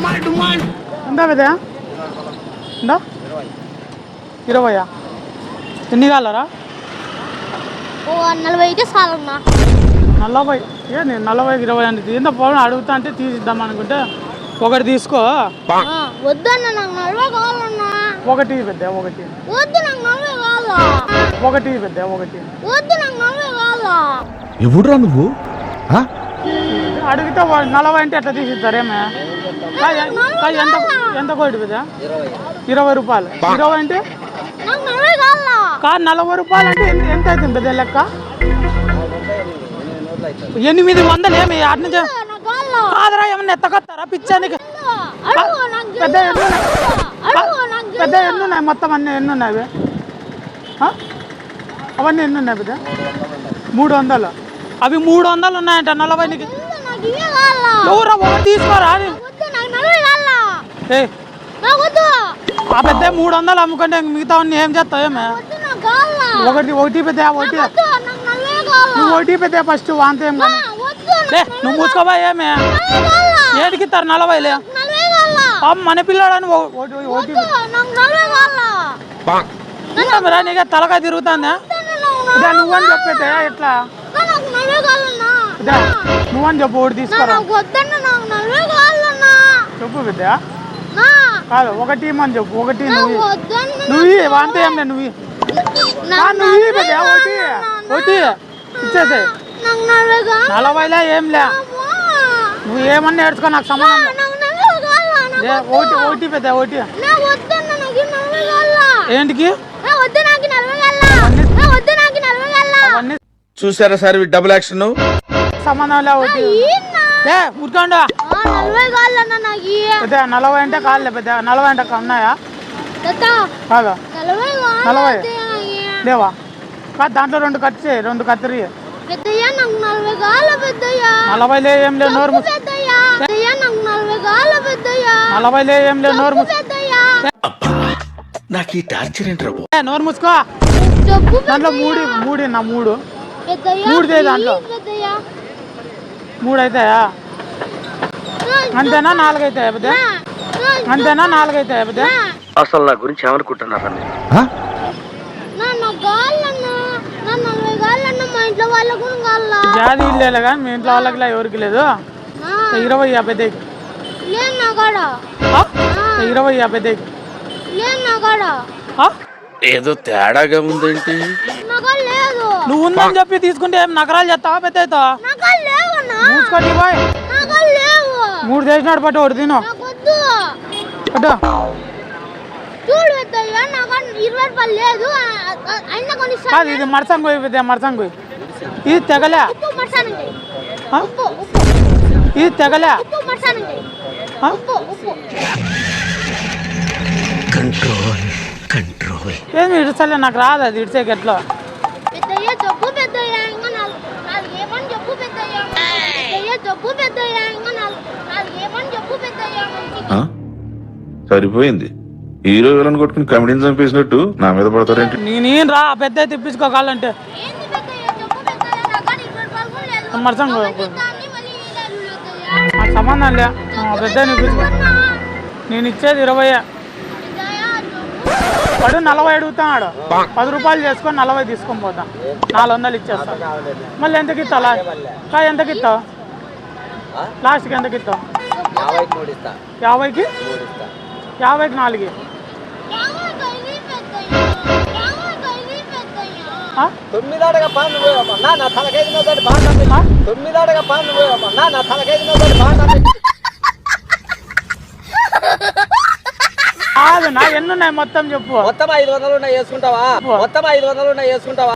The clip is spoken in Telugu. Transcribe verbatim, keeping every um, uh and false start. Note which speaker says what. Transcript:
Speaker 1: ఎంతా పెద్ద ఎంతా ఇరవయా ఎన్ని కాలరా
Speaker 2: నలభై అయితే చాలన్నా
Speaker 1: నలభై ఏ నేను నలభైకి ఇరవై అంటే ఎంత పోవడం అడుగుతా అంటే తీసిద్దాం అనుకుంటే ఒకటి తీసుకో
Speaker 2: వద్దన్న నాకు నలభై కావాలన్నా
Speaker 1: ఒకటి పెద్ద ఒకటి
Speaker 2: వద్దు నాకు నలభై కావాలా
Speaker 1: ఒకటి పెద్ద ఒకటి
Speaker 2: వద్దు నాకు నలభై కావాలా
Speaker 3: ఎవడురా నువ్వు
Speaker 1: అడిగితే నలభై అంటే ఎట్లా తీసిస్తారేమే ఎంత ఎంత కోటి పెద్ద ఇరవై రూపాయలు ఇరవై అంటే
Speaker 2: నాకు నలభై కావాలా
Speaker 1: కాదు నలభై రూపాయలు అంటే ఎంత అవుతుంది పెద్ద లెక్క ఎనిమిది వందలు ఏమి అటు నుంచి కాదరా ఏమన్నా ఎత్తకొస్తారా పిచ్చానికి పెద్ద ఎన్ని పెద్ద ఎన్ని ఉన్నాయి మొత్తం అన్నీ ఎన్ని ఉన్నాయి అవన్నీ ఎన్ని ఉన్నాయి పెద్ద మూడు వందలు అవి మూడు వందలు ఉన్నాయంట నలభైకి ఎవరా ఒకటి తీసుకోరా ఏ ఆ పెద్ద మూడు వందలు అమ్ముకుంటే మిగతా ఏం చేస్తావు ఏమే ఒకటి ఒకటి పెద్ద ఒకటి నువ్వు ఒకటి పెద్ద ఫస్ట్ వాంత ఏం కానీ నువ్వు మూసుకోబా ఏమే ఏడికి ఇస్తారు నలభైలే మన పిల్లాడని ఒకటి రా నీకే తలకాయ తిరుగుతుందా నువ్వని చెప్పేదే ఎట్లా నువ్వని చెప్పు ఒకటి తీసుకోరా చెప్పు పెద్ద కాదు ఒకటి అని చెప్పు ఒకటి నువ్వు నువ్వు వాంత ఏం లే నువ్వు నువ్వు పెద్ద ఒకటి ఒకటి ఇచ్చేసే నలభైలే ఏం లే నువ్వు ఏమన్నా నేర్చుకో నాకు సంబంధం ఒకటి ఒకటి పెద్ద ఒకటి ఏంటికి
Speaker 3: చూసారా సార్ డబుల్ యాక్షన్
Speaker 1: సంబంధం లే ఒకటి ఉరుకోండా పెద్ద నలభై అంటే కాదులే పెద్ద నలభై అంటే ఉన్నాయా కాదా నలభై లేవా కాదు దాంట్లో రెండు కత్తి రెండు కత్తిరి నలభైలే ఏం లేదు నోరు నలభైలే ఏం లేదు నోరు
Speaker 3: నాకు ఈ టార్చర్ ఏంట్రా
Speaker 1: నోరు మూసుకో దాంట్లో మూడు మూడు నా మూడు మూడు దాంట్లో మూడు అవుతాయా అంతేనా నాలుగు అవుతాయా పెద్ద అంతేనా నాలుగు అవుతాయా పెద్ద
Speaker 4: అసలు నా గురించి ఏమనుకుంటున్నారా
Speaker 1: జాతి ఇల్లు కానీ మీ ఇంట్లో వాళ్ళకి ఎవరికి లేదు ఇరవై పెద్దకి ఇరవై పెద్దకి
Speaker 3: ఏదో తేడాగా ఉందేంటి
Speaker 1: నువ్వు ఉందని చెప్పి తీసుకుంటే ఏం నగరాలు చేస్తావా పెద్ద మూసుకొని బాయ్ మూడు చేసినాడు పట్టు ఒకటి తిను పట్టు కాదు ఇది మరసంగు పెద్ద మరసంగు ఇది తెగలే ఇది తెగలే
Speaker 3: కంట్రోల్ కంట్రోల్
Speaker 1: ఏమి ఇడిసలే నాకు రాదు అది ఇడిసేకి ఎట్లా
Speaker 5: సరిపోయింది హీరో విలన్ కొట్టుకుని కమెడీని చంపేసినట్టు నా మీద పడతారేంటి
Speaker 1: నేను రా పెద్ద తెప్పించుకోవాలంటే మరసంగు నాకు సంబంధం లే పెద్ద తెప్పించుకో నేను ఇచ్చేది ఇరవై వాడు నలభై అడుగుతాడు పది రూపాయలు చేసుకొని నలభై తీసుకొని పోతా నాలుగు వందలు ఇచ్చేస్తా మళ్ళీ ఎంతకి ఇస్తావు లాస్ట్ ఎంతకి ఇస్తావు లాస్ట్కి ఎంతకి ఇస్తావు యాభైకి యాభైకి నాలుగు
Speaker 4: తొమ్మిదాడగా పాను నా తలకైదు తొమ్మిదాడగా పాను నా తలకైదు
Speaker 1: కాదు నా ఎన్ని ఉన్నాయి మొత్తం చెప్పు
Speaker 4: మొత్తం ఐదు వందలు ఉన్నాయి వేసుకుంటావా మొత్తం ఐదు వందలు ఉన్నాయి వేసుకుంటావా